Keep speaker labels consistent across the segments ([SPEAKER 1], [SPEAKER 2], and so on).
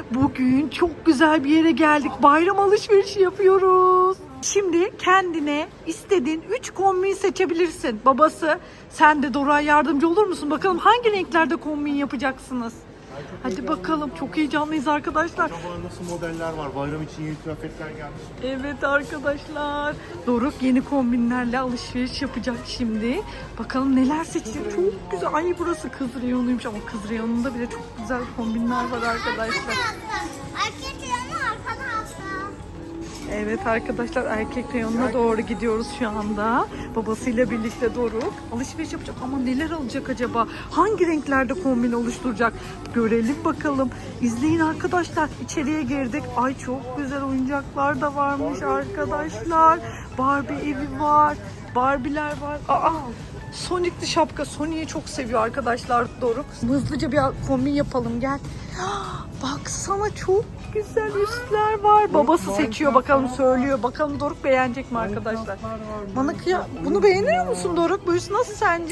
[SPEAKER 1] Bugün çok güzel bir yere geldik. Bayram alışverişi yapıyoruz. Şimdi kendine istediğin 3 kombin seçebilirsin. Babası, sen de Dora'ya yardımcı olur musun? Bakalım hangi renklerde kombin yapacaksınız? Hadi bakalım. Çok heyecanlıyız arkadaşlar.
[SPEAKER 2] Acaba nasıl modeller var? Bayram için yeni kıyafetler gelmiş.
[SPEAKER 1] Evet arkadaşlar. Doruk yeni kombinlerle alışveriş yapacak şimdi. Bakalım neler seçecek. Çok güzel. Ay burası kız reyonuymuş ama kız reyonunda bile çok güzel kombinler var arkadaşlar.
[SPEAKER 3] Erkek yanı arkada hasta.
[SPEAKER 1] Evet arkadaşlar erkek reyonuna doğru gidiyoruz şu anda. Babasıyla birlikte Doruk alışveriş yapacak ama neler alacak acaba? Hangi renklerde kombin oluşturacak? Görelim bakalım. İzleyin arkadaşlar. İçeriye girdik. Ay çok güzel oyuncaklar da varmış arkadaşlar. Barbie evi var. Barbie'ler var. Aa! Sonic'li şapka. Sonic'i çok seviyor arkadaşlar Doruk. Hızlıca bir kombin yapalım gel. Baksana çok güzel üstler var. Babası seçiyor bakalım söylüyor. Bakalım Doruk beğenecek mi arkadaşlar? Bana bunu beğeniyor musun Doruk? Bu üst nasıl sence?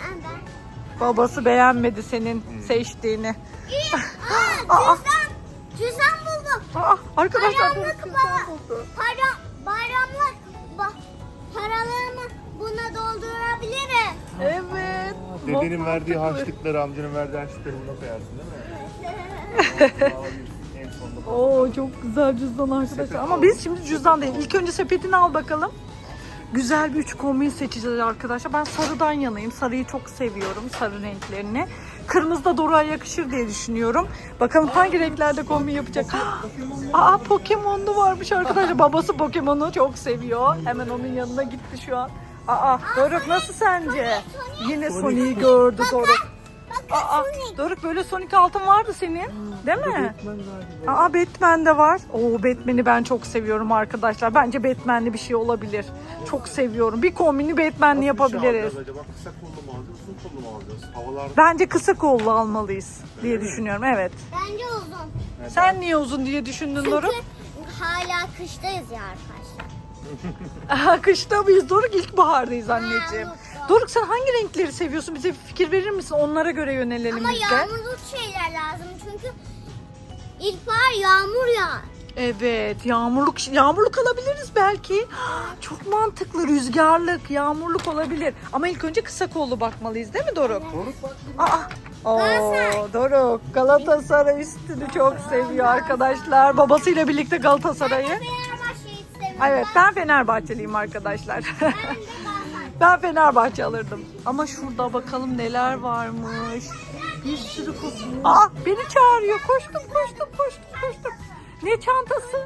[SPEAKER 1] Babası beğenmedi senin seçtiğini.
[SPEAKER 3] Aa, cüzdan buldum.
[SPEAKER 1] Aa, arkadaşlar Doruk
[SPEAKER 3] Bayramlık
[SPEAKER 1] cüzdan buldu.
[SPEAKER 3] Bayramlık paralarımı buna doldurabilirim.
[SPEAKER 1] Evet.
[SPEAKER 2] Dedenin verdiği harçlıkları, amcanın verdiği harçlıkları buna koyarsın değil mi? En sonunda.
[SPEAKER 1] Oo çok güzel cüzdan arkadaşlar. Ama biz şimdi cüzdan değil. İlk önce sepetini al bakalım. Güzel bir 3 kombin seçeceğiz arkadaşlar. Ben sarıdan yanayım. Sarıyı çok seviyorum. Sarı renklerini. Kırmızı da Dora'ya yakışır diye düşünüyorum. Bakalım hangi renklerde kombin yapacak. Aa Pokemon'lu varmış arkadaşlar. Babası Pokemon'u çok seviyor. Hemen onun yanına gitti şu an. Aa Doruk nasıl sence? Yine Sonic'i gördü Doruk. Aa, Doruk böyle Sonic altın vardı senin. Değil mi? Aa Batman de var. Oo Batman'i ben çok seviyorum arkadaşlar. Bence Batman'li bir şey olabilir. Çok seviyorum. Bir kombini Batman'li yapabiliriz.
[SPEAKER 2] Acaba kısa kollu mu alacağız, uzun kollu mu alacağız? Havalar
[SPEAKER 1] Bence kısa kollu almalıyız diye düşünüyorum. Evet.
[SPEAKER 3] Bence uzun.
[SPEAKER 1] Sen niye uzun diye düşündün Doruk?
[SPEAKER 3] Çünkü hala kıştayız ya arkadaşlar.
[SPEAKER 1] Aha, kışta mıyız Doruk? İlkbahardayız anneciğim. Doruk sen hangi renkleri seviyorsun? Bize bir fikir verir misin? Onlara göre yönelelim
[SPEAKER 3] Ama
[SPEAKER 1] biz de.
[SPEAKER 3] yağmurlu şeyler lazım çünkü ilkbahar yağmur yağar.
[SPEAKER 1] Evet, yağmurluk alabiliriz belki. Çok mantıklı, rüzgarlık, yağmurluk olabilir. Ama ilk önce kısa kollu bakmalıyız değil mi Doruk?
[SPEAKER 2] Doruk bak.
[SPEAKER 1] Oo, Doruk Galatasaray üstünü çok seviyor arkadaşlar. Babasıyla birlikte Galatasaray'ı.
[SPEAKER 3] Fenerbahçe'yi seviyorum.
[SPEAKER 1] Evet, ben Fenerbahçeliyim arkadaşlar.
[SPEAKER 3] Ben de Galatasaray.
[SPEAKER 1] Ben Fenerbahçe alırdım. Ama şurada bakalım neler varmış. Bir sürü kombin. Aa, beni çağırıyor. Koştum. Ne çantası?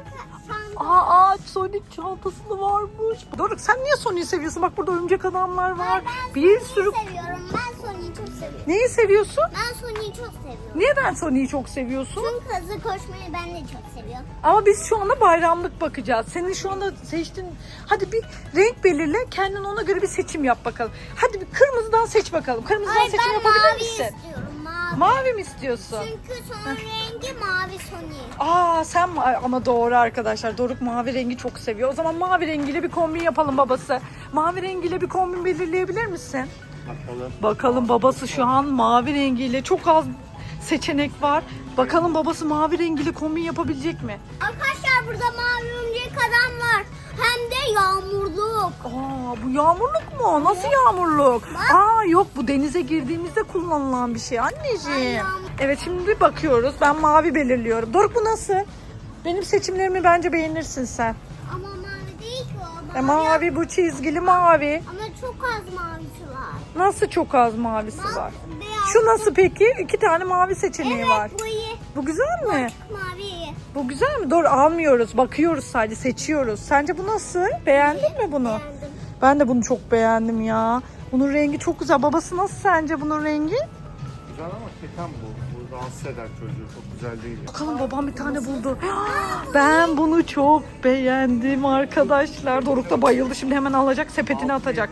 [SPEAKER 1] Aa, Sonic çantası varmış. Doruk sen niye Sonic'i seviyorsun? Bak burada örümcek adamlar var. Bir sürü...
[SPEAKER 3] Seviyorum. Ben Sony'yi çok seviyorum.
[SPEAKER 1] Neyi seviyorsun?
[SPEAKER 3] Ben Sony'yi çok seviyorum.
[SPEAKER 1] Neden Sonic'i çok seviyorsun?
[SPEAKER 3] Çünkü hızlı koşmayı ben de çok seviyorum.
[SPEAKER 1] Ama biz şu anda bayramlık bakacağız. Senin şu anda seçtiğin... Hadi bir renk belirle. Kendin ona göre bir seçim yap bakalım. Hadi bir kırmızıdan seç bakalım. Kırmızıdan seçim
[SPEAKER 3] ben
[SPEAKER 1] yapabilir
[SPEAKER 3] mavi
[SPEAKER 1] misin?
[SPEAKER 3] istiyorum. Mavi.
[SPEAKER 1] Mavi mi istiyorsun?
[SPEAKER 3] Çünkü son rengi mavi Sony.
[SPEAKER 1] Aa sen ama doğru arkadaşlar. Doruk mavi rengi çok seviyor. O zaman mavi rengiyle bir kombin yapalım babası. Mavi rengiyle bir kombin belirleyebilir misin?
[SPEAKER 2] Bakalım.
[SPEAKER 1] Bakalım babası şu an mavi rengiyle çok az seçenek var. Bakalım babası mavi rengiyle kombin yapabilecek mi?
[SPEAKER 3] Arkadaşlar burada mavi örümcek adam var. Hem de yağmurluk.
[SPEAKER 1] Aa bu yağmurluk mu? Nasıl yağmurluk? Aa yok bu denize girdiğimizde kullanılan bir şey anneciğim. Evet şimdi bir bakıyoruz. Ben mavi belirliyorum. Doruk bu nasıl? Benim seçimlerimi bence beğenirsin sen.
[SPEAKER 3] Ama mavi değil ki o.
[SPEAKER 1] Mavi bu çizgili mavi.
[SPEAKER 3] Ama çok az mavisi var.
[SPEAKER 1] Nasıl çok az mavisi
[SPEAKER 3] Bak,
[SPEAKER 1] var?
[SPEAKER 3] beyaz.
[SPEAKER 1] Şu nasıl peki? 2 tane mavi seçeneği
[SPEAKER 3] Evet
[SPEAKER 1] var.
[SPEAKER 3] bu iyi.
[SPEAKER 1] Bu güzel mi?
[SPEAKER 3] Mavi iyi.
[SPEAKER 1] Bu güzel mi? Doğru almıyoruz. Bakıyoruz sadece seçiyoruz. Sence bu nasıl? Beğendin mi bunu?
[SPEAKER 3] Beğendim.
[SPEAKER 1] Ben de bunu çok beğendim ya. Bunun rengi çok güzel. Babası nasıl sence bunun rengi?
[SPEAKER 2] Güzel ama keten bu. Bu rahatsız eder çocuğu. Çok güzel değil.
[SPEAKER 1] Bakalım babam bir tane buldu. Ben bunu çok beğendim arkadaşlar. Doruk da bayıldı. Şimdi hemen alacak sepetine atacak.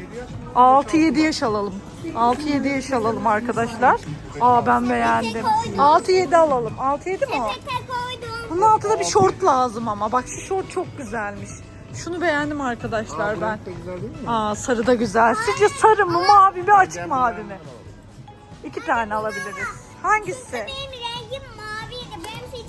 [SPEAKER 1] 6-7 yaş alalım. 6-7 yaş alalım arkadaşlar. Aa ben beğendim. 6-7 alalım. 6-7 mi o?
[SPEAKER 3] Tek koydum.
[SPEAKER 1] Bunun altında bir şort lazım ama. Bak şu şort çok güzelmiş. Şunu beğendim arkadaşlar ben.
[SPEAKER 2] Renk de güzel değil mi?
[SPEAKER 1] Aa sarı da güzel. Sizce sarı mı mavi mi açık mavi mi? 2 tane alabiliriz. Hangisi?
[SPEAKER 3] Benim rengim maviydi. Benim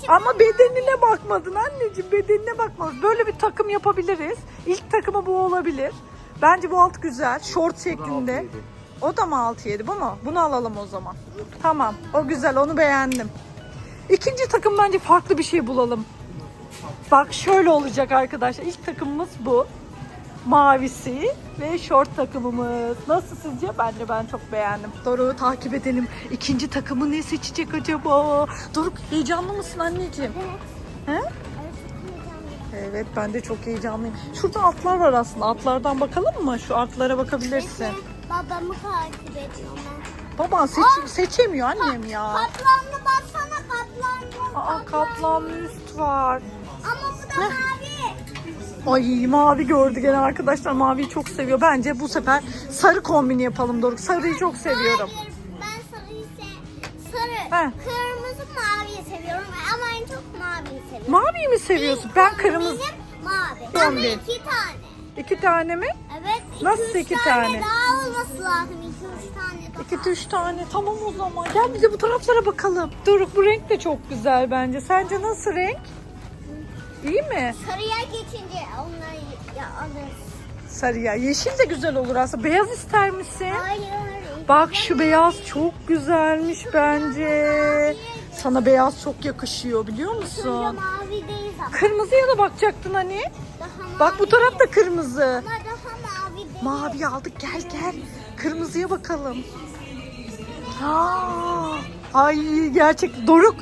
[SPEAKER 1] Ama bedenine bakmadın anneciğim, bedenine bakmadın. Böyle bir takım yapabiliriz. İlk takımı bu olabilir. Bence bu alt güzel. Şort şeklinde.
[SPEAKER 2] 6-7.
[SPEAKER 1] O da mı 6-7 bu mu? Bunu alalım o zaman. Tamam, o güzel, onu beğendim. İkinci takım bence farklı bir şey bulalım. Bak şöyle olacak arkadaşlar. İlk takımımız bu. Mavisi ve şort takımımız. Nasıl sizce? Bence ben çok beğendim. Doruk'u takip edelim. İkinci takımı ne seçecek acaba? Doruk heyecanlı mısın anneciğim? He? Evet, ben de çok heyecanlıyım. Şurada atlar var aslında. Atlardan bakalım mı? Şu atlara bakabilirsin.
[SPEAKER 3] Babamı takip ediyorum ben.
[SPEAKER 1] Baban seçemiyor annem ya.
[SPEAKER 3] Kaplanlı baksana, kaplanlı.
[SPEAKER 1] Aa, kaplanlı üst var.
[SPEAKER 3] Ama bu da mavi.
[SPEAKER 1] Ay, mavi gördü gene arkadaşlar. Maviyi çok seviyor. Bence bu sefer sarı kombini yapalım Doruk. Sarıyı çok seviyorum.
[SPEAKER 3] Hayır, ben sarıyı sarı,
[SPEAKER 1] He.
[SPEAKER 3] kırmızı, maviyi seviyorum ama en çok maviyi seviyorum.
[SPEAKER 1] Maviyi mi seviyorsun? Ben kırmızı.
[SPEAKER 3] Benim mavi.
[SPEAKER 1] Kombin.
[SPEAKER 3] Ama 2 tane.
[SPEAKER 1] 2 tane mi?
[SPEAKER 3] Evet.
[SPEAKER 1] Nasıl
[SPEAKER 3] 2-3
[SPEAKER 1] iki tane?
[SPEAKER 3] daha olması lazım. 2-3 tane daha.
[SPEAKER 1] 2-3 tane. Tamam o zaman. Gel bir de bu taraflara bakalım. Doruk, bu renk de çok güzel bence. Sence nasıl renk? İyi mi?
[SPEAKER 3] Sarıya geçince onları alırız.
[SPEAKER 1] Sarıya. Yeşil de güzel olur aslında. Beyaz ister misin?
[SPEAKER 3] Hayır.
[SPEAKER 1] Bak şu beyaz çok güzelmiş bence. Sana beyaz çok yakışıyor biliyor
[SPEAKER 3] Şurada
[SPEAKER 1] musun?
[SPEAKER 3] mavi değil ama.
[SPEAKER 1] Kırmızıya da bakacaktın hani.
[SPEAKER 3] Daha
[SPEAKER 1] Bak bu
[SPEAKER 3] mavi
[SPEAKER 1] taraf da
[SPEAKER 3] değil.
[SPEAKER 1] kırmızı.
[SPEAKER 3] Ama daha mavi değil.
[SPEAKER 1] Mavi aldık, gel gel. Kırmızıya bakalım. Aa, ay gerçek Doruk.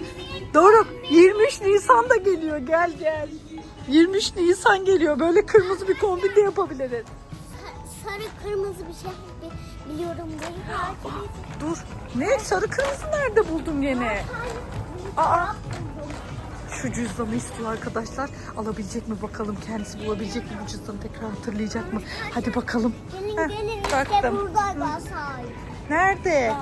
[SPEAKER 1] 23 Nisan da geliyor, gel gel. 23 Nisan geliyor. Böyle kırmızı bir kombin de yapabiliriz.
[SPEAKER 3] Sarı kırmızı bir şey biliyorum. Beni takip et.
[SPEAKER 1] Dur. Ne? Sarı kırmızı nerede buldun gene? Aa. Şu cüzdanı istiyor arkadaşlar. Alabilecek mi bakalım? Kendisi bulabilecek mi bu cüzdanı? Tekrar hatırlayacak mı? Hadi bakalım.
[SPEAKER 3] Gelin
[SPEAKER 1] Heh,
[SPEAKER 3] gelin işte
[SPEAKER 1] baktım.
[SPEAKER 3] burada Galatasaray.
[SPEAKER 1] Nerede?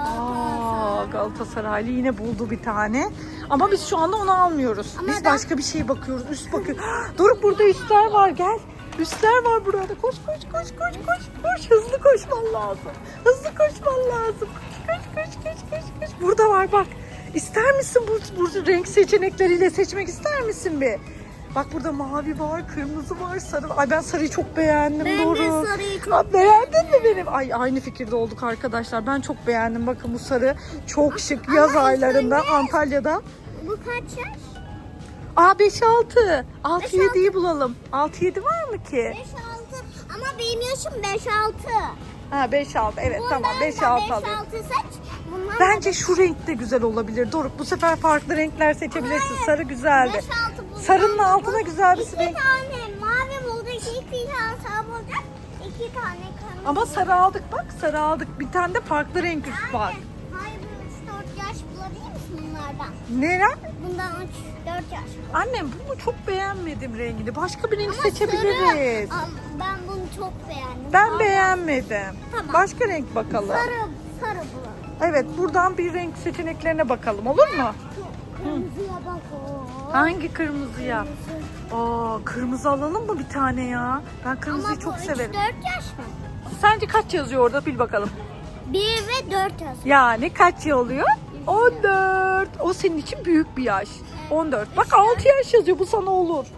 [SPEAKER 1] Aa, Galatasaraylı yine buldu bir tane. Ama biz şu anda onu almıyoruz.
[SPEAKER 3] Ama
[SPEAKER 1] Biz
[SPEAKER 3] ben-
[SPEAKER 1] başka bir şey bakıyoruz. Üst bakıyoruz. Doruk, burada üstler var, gel. Üstler var burada. Koş koş koş koş koş koş. Hızlı koşman lazım. Hızlı koşman lazım. Koş koş koş koş koş koş. Burada var bak. İster misin bu renk seçenekleriyle seçmek ister misin bir? Bak burada mavi var, kırmızı var, sarı var. Ay ben sarıyı çok beğendim.
[SPEAKER 3] Ben de
[SPEAKER 1] Doruk.
[SPEAKER 3] sarıyı çok
[SPEAKER 1] Aa, beğendin mi benim? Ay aynı fikirde olduk arkadaşlar. Ben çok beğendim. Bakın bu sarı çok şık. Yaz aylarında Antalya'da.
[SPEAKER 3] Bu kaç yaş?
[SPEAKER 1] Aa 5-6. 6-7'yi
[SPEAKER 3] 5-6.
[SPEAKER 1] bulalım. 6-7 var mı ki?
[SPEAKER 3] 5-6 ama benim yaşım 5-6.
[SPEAKER 1] Ha 5-6. Evet
[SPEAKER 3] Bundan
[SPEAKER 1] tamam
[SPEAKER 3] da
[SPEAKER 1] 5-6 alayım.
[SPEAKER 3] 5-6 seç. Bundan
[SPEAKER 1] Bence şu renk de güzel olabilir. Doruk, bu sefer farklı renkler seçebilirsin. Sarı güzeldi.
[SPEAKER 3] 5-6 bundan
[SPEAKER 1] Sarının
[SPEAKER 3] da
[SPEAKER 1] altına
[SPEAKER 3] bu.
[SPEAKER 1] güzel bir
[SPEAKER 3] İki
[SPEAKER 1] renk.
[SPEAKER 3] tane mavi bulduk, 2 tane sarı bulacak. 2 tane kırmızı.
[SPEAKER 1] Ama sarı aldık bak. Sarı aldık. Bir tane de farklı renk üst var.
[SPEAKER 3] Hayır, bu 3-4 yaş bulabilir misin bunlardan?
[SPEAKER 1] Neren?
[SPEAKER 3] Bundan 3-4 yaş.
[SPEAKER 1] Annem bunu çok beğenmedim rengini. Başka bir renk
[SPEAKER 3] Ama
[SPEAKER 1] seçebiliriz.
[SPEAKER 3] sarı, ben bunu çok beğendim.
[SPEAKER 1] Ben
[SPEAKER 3] Sarı.
[SPEAKER 1] beğenmedim.
[SPEAKER 3] Tamam.
[SPEAKER 1] Başka renk bakalım.
[SPEAKER 3] Sarı bulalım.
[SPEAKER 1] Evet, buradan bir renk seçeneklerine bakalım, olur mu?
[SPEAKER 3] Kırmızıya bak o.
[SPEAKER 1] Hangi kırmızıya? Aa, kırmızı alalım mı bir tane ya? Ben kırmızıyı
[SPEAKER 3] Ama
[SPEAKER 1] çok
[SPEAKER 3] bu
[SPEAKER 1] severim.
[SPEAKER 3] 3-4 yaş mı?
[SPEAKER 1] Sence kaç yazıyor orada? Bil bakalım.
[SPEAKER 3] 1 ve 4 yaş.
[SPEAKER 1] Yani kaç yıl oluyor? 14. O senin için büyük bir yaş. 14. Bak 6 yaş yazıyor. Bu sana olur.
[SPEAKER 3] Olur.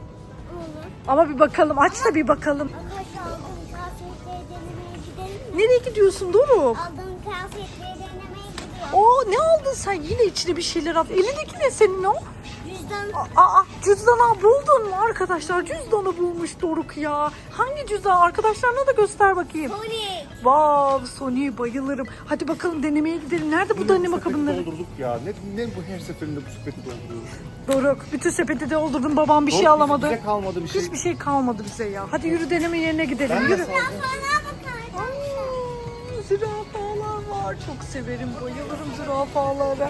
[SPEAKER 1] Ama bir bakalım. Aç da bir bakalım.
[SPEAKER 3] Arkadaşlar aldığım kıyafetleri denemeye gidelim mi?
[SPEAKER 1] Nereye gidiyorsun Doruk?
[SPEAKER 3] Aldığım kıyafetleri denemeye gidiyorum.
[SPEAKER 1] Oo, ne aldın sen? Yine içine bir şeyler al. Elindeki ne senin o?
[SPEAKER 3] Cüzdan
[SPEAKER 1] Aa, cüzdanı buldun mu arkadaşlar? Cüzdanı bulmuş Doruk ya. Hangi cüzdan? Arkadaşlarına da göster bakayım.
[SPEAKER 3] Sonic.
[SPEAKER 1] Vav, Sony'ye bayılırım. Hadi bakalım denemeye gidelim. Nerede bu deneme kabinleri?
[SPEAKER 2] Doldurduk ya. Ne bu her seferinde bu sepeti dolduruyoruz.
[SPEAKER 1] Doruk, bütün sepeti doldurdum. Babam bir şey
[SPEAKER 2] Doruk,
[SPEAKER 1] alamadı.
[SPEAKER 2] Bize kalmadı bir şey.
[SPEAKER 1] Hiçbir şey kalmadı bize ya. Hadi yürü, deneme yerine gidelim.
[SPEAKER 2] Ben de
[SPEAKER 1] Yürü.
[SPEAKER 2] saldım.
[SPEAKER 3] Bana bakar.
[SPEAKER 1] Aa, zürafalar var. Çok severim, bayılırım zürafalara.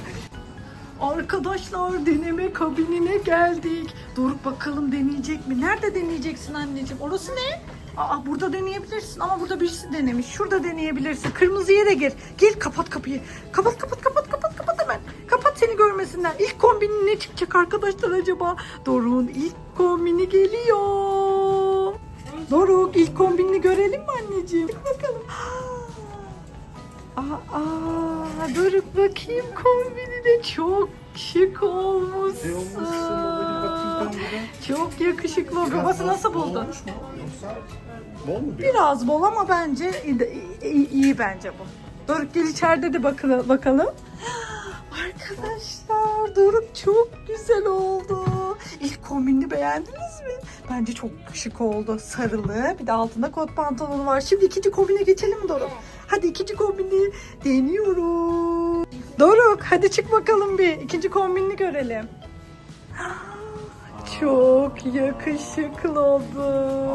[SPEAKER 1] Arkadaşlar, deneme kabinine geldik. Doruk bakalım deneyecek mi? Nerede deneyeceksin anneciğim? Orası ne? Aa, burada deneyebilirsin ama burada birisi denemiş. Şurada deneyebilirsin. Kırmızıya da gir. Gel, kapat kapıyı. Kapat hemen. Kapat, seni görmesinler. İlk kombinin ne çıkacak arkadaşlar acaba? Doruk'un ilk kombini geliyor. Doruk, ilk kombinini görelim mi anneciğim? Hadi bakalım. Aa, Doruk bakayım kombinine, çok şık olmuşsun. Çok yakışıklı. Babası nasıl buldu?
[SPEAKER 2] Bol mu?
[SPEAKER 1] Biraz bol ama bence iyi bence bu. Doruk gel içeride de bakalım. Arkadaşlar Doruk çok güzel oldu. İlk kombini beğendiniz mi? Bence çok şık oldu. Sarılı, bir de altında kot pantolonu var. Şimdi ikinci kombine geçelim mi Doruk? Hadi ikinci kombini deniyoruz. Doruk hadi çık bakalım bir. İkinci kombini görelim. Çok yakışıklı oldu.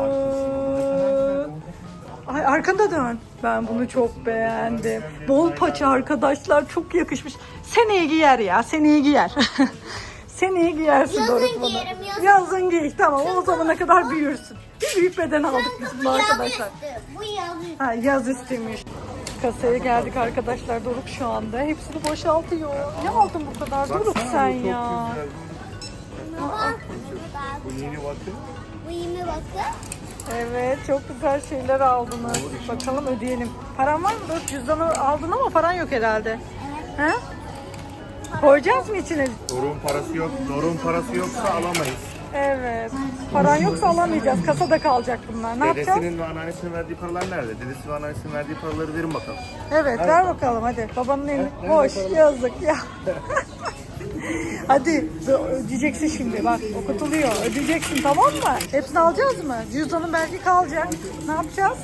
[SPEAKER 1] Ay arkanda dön. Ben bunu çok beğendim. Bol paça arkadaşlar, çok yakışmış. Seneye giyer ya, seneye giyer. Seneye giyersin
[SPEAKER 3] Yazın
[SPEAKER 1] Doruk bunu.
[SPEAKER 3] giyerim, yazın.
[SPEAKER 1] Yazın giy, tamam o zamana kadar büyürsün. Bir büyük beden aldık biz bunu arkadaşlar.
[SPEAKER 3] Bu yazı.
[SPEAKER 1] Ha, yaz istemiş. Kasaya geldik arkadaşlar, Doruk şu anda. Hepsini boşaltıyor. Ne aldın bu kadar Doruk sen ya?
[SPEAKER 3] Baba.
[SPEAKER 2] Bu yeni bakın.
[SPEAKER 3] Bu yeme bakın.
[SPEAKER 1] Evet, çok güzel şeyler aldınız. Bakalım ödeyelim. Paran var mı? Dur, cüzdanı aldın ama paran yok herhalde. He? Koyacağız mı içine?
[SPEAKER 2] Doruk'un parası yok. Doruk'un parası yoksa alamayız.
[SPEAKER 1] Evet. Paran yoksa alamayacağız. Kasada kalacak bunlar. Ne yapacağız?
[SPEAKER 2] Dedesinin ve anneannesinin verdiği paralar nerede? Dedesi ve anneannesinin verdiği paraları verin bakalım.
[SPEAKER 1] Evet, ver bakalım hadi. Babanın elini. Boş, yazık ya. Hadi ödeyeceksin şimdi, bak okutuluyor. Ödeyeceksin, tamam mı? Hepsini alacağız mı? Cüzdanın belki kalacak. Ne yapacağız?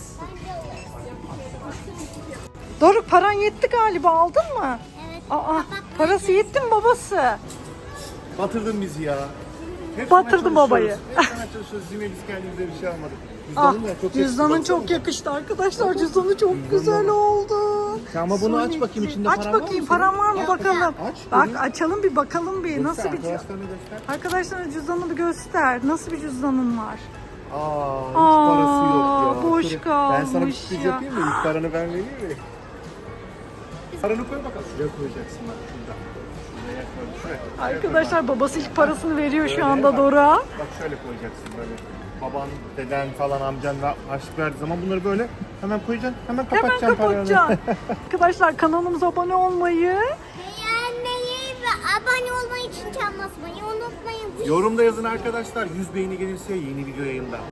[SPEAKER 1] Doruk paran yetti galiba, aldın mı?
[SPEAKER 3] Evet.
[SPEAKER 1] Parası yetti mi babası?
[SPEAKER 2] Batırdın bizi ya. Hep
[SPEAKER 1] Batırdın
[SPEAKER 2] sana
[SPEAKER 1] babayı.
[SPEAKER 2] çalışıyoruz. Hep sana çalışıyoruz. Yine biz kendimize bir şey almadık.
[SPEAKER 1] Ah,
[SPEAKER 2] Cüzdanın da çok
[SPEAKER 1] cüzdanın
[SPEAKER 2] yakışıklı.
[SPEAKER 1] çok yakıştı arkadaşlar. Cüzdanı çok güzel oldu.
[SPEAKER 2] Sen ama bunu aç bakayım, içinde
[SPEAKER 1] Aç
[SPEAKER 2] paran var mı
[SPEAKER 1] bakayım,
[SPEAKER 2] senin?
[SPEAKER 1] paran var mı bakalım.
[SPEAKER 2] Aç,
[SPEAKER 1] Bak
[SPEAKER 2] göreyim.
[SPEAKER 1] açalım bir bakalım bir. Nasıl bir
[SPEAKER 2] Arkadaşlarına göster.
[SPEAKER 1] Arkadaşlar cüzdanını bir göster. Nasıl bir cüzdanın var?
[SPEAKER 2] Hiç parası yok ya.
[SPEAKER 1] boş
[SPEAKER 2] Şöyle,
[SPEAKER 1] kalmış
[SPEAKER 2] ben sana bir sürpriz
[SPEAKER 1] ya.
[SPEAKER 2] yapayım mı? İlk paranı ben vereyim mi? Paranı koy bakalım. Şuraya koyacaksın bak şurada. Şuraya koy. Şuraya.
[SPEAKER 1] Arkadaşlar babası ilk parasını veriyor şu anda Doruk'a.
[SPEAKER 2] Bak şöyle koyacaksın böyle. Baban, deden falan amcan ve harçlık verdiği zaman bunları böyle hemen koyacaksın. Hemen
[SPEAKER 1] Hemen
[SPEAKER 2] kapatacaksın
[SPEAKER 1] kapatacaksın. Arkadaşlar kanalımıza abone olmayı,
[SPEAKER 3] Beğenmeyi ve abone olmayı için çan basmayı unutmayın.
[SPEAKER 2] Yorumda yazın arkadaşlar. 100 beğeni gelirse yeni video yayında.